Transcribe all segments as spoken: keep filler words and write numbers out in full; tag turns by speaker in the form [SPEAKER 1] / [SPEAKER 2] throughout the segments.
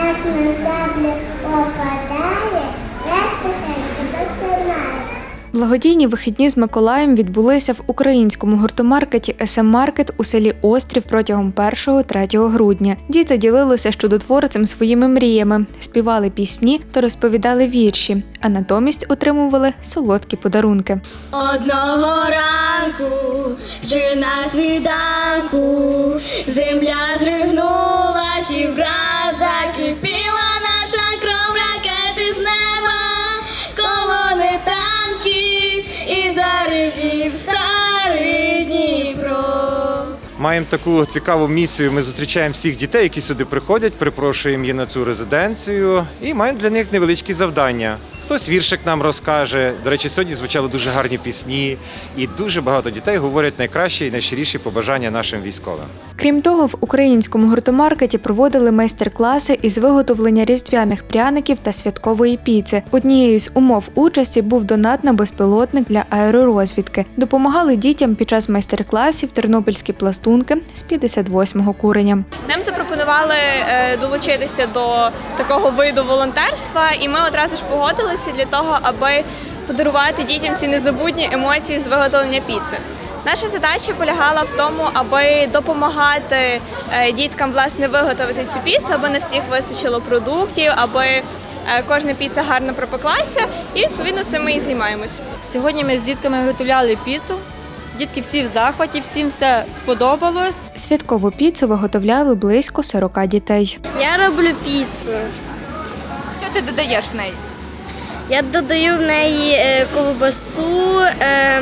[SPEAKER 1] як на землю опадає, раз тихенько засинає.
[SPEAKER 2] Благодійні вихідні з Миколаєм відбулися в українському гуртомаркеті ес ем Маркет у селі Острів протягом першого-третього грудня. Діти ділилися з чудотворцем своїми мріями, співали пісні та розповідали вірші, а натомість отримували солодкі подарунки.
[SPEAKER 3] Одного ранку, чи на світанку, земля зригнулась і враз закипіла наша кров, ракети з неба, колони танків і заревів старий Дніпро.
[SPEAKER 4] Маємо таку цікаву місію. Ми зустрічаємо всіх дітей, які сюди приходять, припрошуємо їх на цю резиденцію і маємо для них невеличкі завдання. Хтось віршик нам розкаже. До речі, сьогодні звучали дуже гарні пісні, і дуже багато дітей говорять найкращі і найщиріші побажання нашим військовим.
[SPEAKER 2] Крім того, в українському гуртомаркеті проводили майстер-класи із виготовлення різдвяних пряників та святкової піци. Однією з умов участі був донат на безпілотник для аеророзвідки. Допомагали дітям під час майстер-класів тернопільські пластунки з п'ятдесят восьмого куреня.
[SPEAKER 5] Нам запропонували е, долучитися до такого виду волонтерства, і ми одразу ж погодилися для того, аби подарувати дітям ці незабутні емоції з виготовлення піци. Наша задача полягала в тому, аби допомагати е, діткам власне виготовити цю піцу, аби не всіх вистачило продуктів, аби е, кожна піца гарно пропеклася, і відповідно цим ми і займаємось.
[SPEAKER 6] Сьогодні ми з дітками виготовляли піцу. Дітки всі в захваті, всім все сподобалось.
[SPEAKER 2] Святкову піцу виготовляли близько сорока дітей.
[SPEAKER 3] Я роблю піцу.
[SPEAKER 6] Що ти додаєш в неї?
[SPEAKER 3] Я додаю в неї е, ковбасу, е,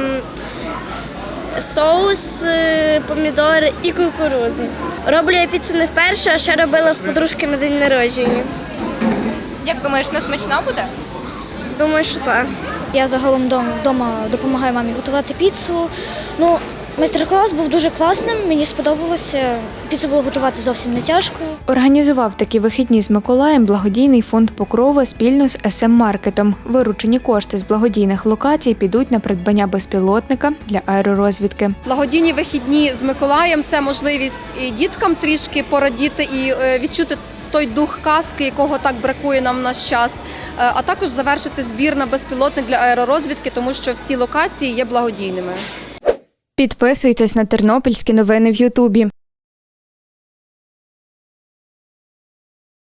[SPEAKER 3] соус, е, помідори і кукурудзу. Роблю я піцу не вперше, а ще робила в подружки на день народження.
[SPEAKER 6] Як думаєш, вона смачна буде?
[SPEAKER 3] Думаю, що так.
[SPEAKER 7] Я загалом вдома допомагаю мамі готувати піцу. Ну, майстер-клас був дуже класним, мені сподобалося. Піцу було готувати зовсім не тяжко.
[SPEAKER 2] Організував такі вихідні з Миколаєм благодійний фонд Покрова спільно з ес ем Маркетом. Виручені кошти з благодійних локацій підуть на придбання безпілотника для аеророзвідки.
[SPEAKER 8] Благодійні вихідні з Миколаєм – це можливість і діткам трішки порадіти і відчути той дух казки, якого так бракує нам в наш час, а також завершити збір на безпілотник для аеророзвідки, тому що всі локації є благодійними.
[SPEAKER 2] Підписуйтесь на тернопільські новини в Ютубі.